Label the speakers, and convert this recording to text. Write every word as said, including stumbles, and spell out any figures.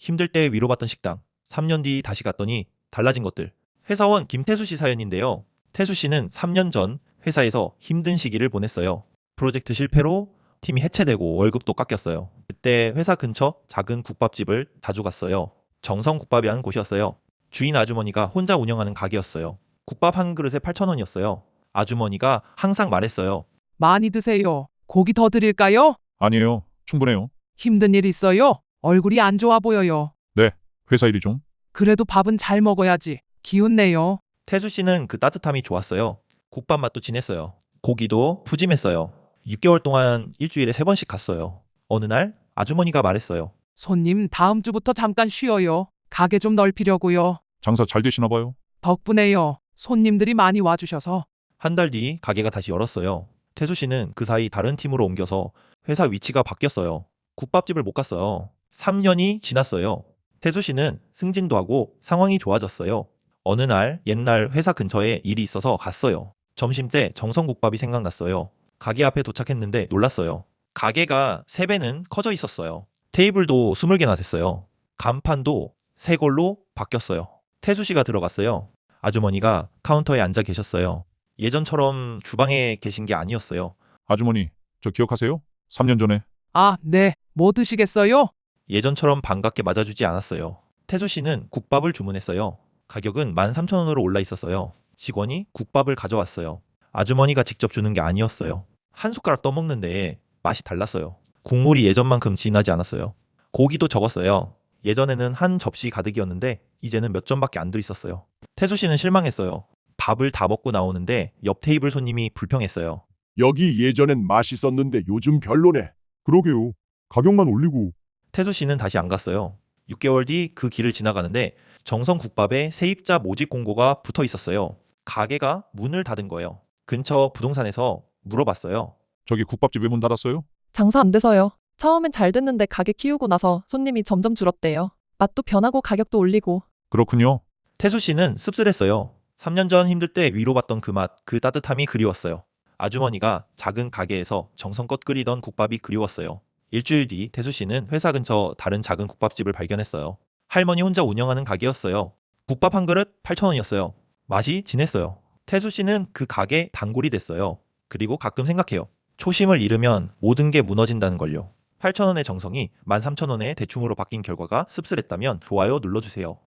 Speaker 1: 힘들 때 위로받던 식당. 삼 년 뒤 다시 갔더니 달라진 것들. 회사원 김태수 씨 사연인데요. 태수 씨는 삼 년 전 회사에서 힘든 시기를 보냈어요. 프로젝트 실패로 팀이 해체되고 월급도 깎였어요. 그때 회사 근처 작은 국밥집을 자주 갔어요. 정성국밥이라는 곳이었어요. 주인 아주머니가 혼자 운영하는 가게였어요. 국밥 한 그릇에 팔천 원이었어요. 아주머니가 항상 말했어요.
Speaker 2: 많이 드세요. 고기 더 드릴까요?
Speaker 3: 아니에요. 충분해요.
Speaker 2: 힘든 일 있어요? 얼굴이 안 좋아 보여요.
Speaker 3: 네, 회사 일이 좀.
Speaker 2: 그래도 밥은 잘 먹어야지. 기운 내요.
Speaker 1: 태수 씨는 그 따뜻함이 좋았어요. 국밥 맛도 진했어요. 고기도 푸짐했어요. 육 개월 동안 일주일에 세 번씩 갔어요. 어느 날 아주머니가 말했어요.
Speaker 2: 손님 다음 주부터 잠깐 쉬어요. 가게 좀 넓히려고요.
Speaker 3: 장사 잘 되시나 봐요.
Speaker 2: 덕분에요. 손님들이 많이 와주셔서.
Speaker 1: 한 달 뒤 가게가 다시 열었어요. 태수 씨는 그 사이 다른 팀으로 옮겨서 회사 위치가 바뀌었어요. 국밥집을 못 갔어요. 삼 년이 지났어요. 태수 씨는 승진도 하고 상황이 좋아졌어요. 어느 날 옛날 회사 근처에 일이 있어서 갔어요. 점심때 정성국밥이 생각났어요. 가게 앞에 도착했는데 놀랐어요. 가게가 세 배는 커져 있었어요. 테이블도 스물 개나 됐어요. 간판도 새 걸로 바뀌었어요. 태수 씨가 들어갔어요. 아주머니가 카운터에 앉아 계셨어요. 예전처럼 주방에 계신 게 아니었어요.
Speaker 3: 아주머니, 저 기억하세요? 삼 년 전에.
Speaker 2: 아, 네. 뭐 드시겠어요?
Speaker 1: 예전처럼 반갑게 맞아주지 않았어요. 태수 씨는 국밥을 주문했어요. 가격은 만 삼천 원으로 올라 있었어요. 직원이 국밥을 가져왔어요. 아주머니가 직접 주는 게 아니었어요. 한 숟가락 떠먹는데 맛이 달랐어요. 국물이 예전만큼 진하지 않았어요. 고기도 적었어요. 예전에는 한 접시 가득이었는데 이제는 몇 점밖에 안 들있었어요. 태수 씨는 실망했어요. 밥을 다 먹고 나오는데 옆 테이블 손님이 불평했어요.
Speaker 4: 여기 예전엔 맛있었는데 요즘 별로네. 그러게요. 가격만 올리고.
Speaker 1: 태수 씨는 다시 안 갔어요. 육 개월 뒤 그 길을 지나가는데 정성국밥에 세입자 모집 공고가 붙어 있었어요. 가게가 문을 닫은 거예요. 근처 부동산에서 물어봤어요.
Speaker 3: 저기 국밥집 왜 문 닫았어요?
Speaker 5: 장사 안 돼서요. 처음엔 잘 됐는데 가게 키우고 나서 손님이 점점 줄었대요. 맛도 변하고 가격도 올리고.
Speaker 3: 그렇군요.
Speaker 1: 태수 씨는 씁쓸했어요. 삼 년 전 힘들 때 위로받던 그 맛, 그 따뜻함이 그리웠어요. 아주머니가 작은 가게에서 정성껏 끓이던 국밥이 그리웠어요. 일주일 뒤 태수 씨는 회사 근처 다른 작은 국밥집을 발견했어요. 할머니 혼자 운영하는 가게였어요. 국밥 한 그릇 팔천 원이었어요. 맛이 진했어요. 태수 씨는 그 가게 단골이 됐어요. 그리고 가끔 생각해요. 초심을 잃으면 모든 게 무너진다는 걸요. 팔천 원의 정성이 만 삼천 원의 대충으로 바뀐 결과가 씁쓸했다면 좋아요 눌러주세요.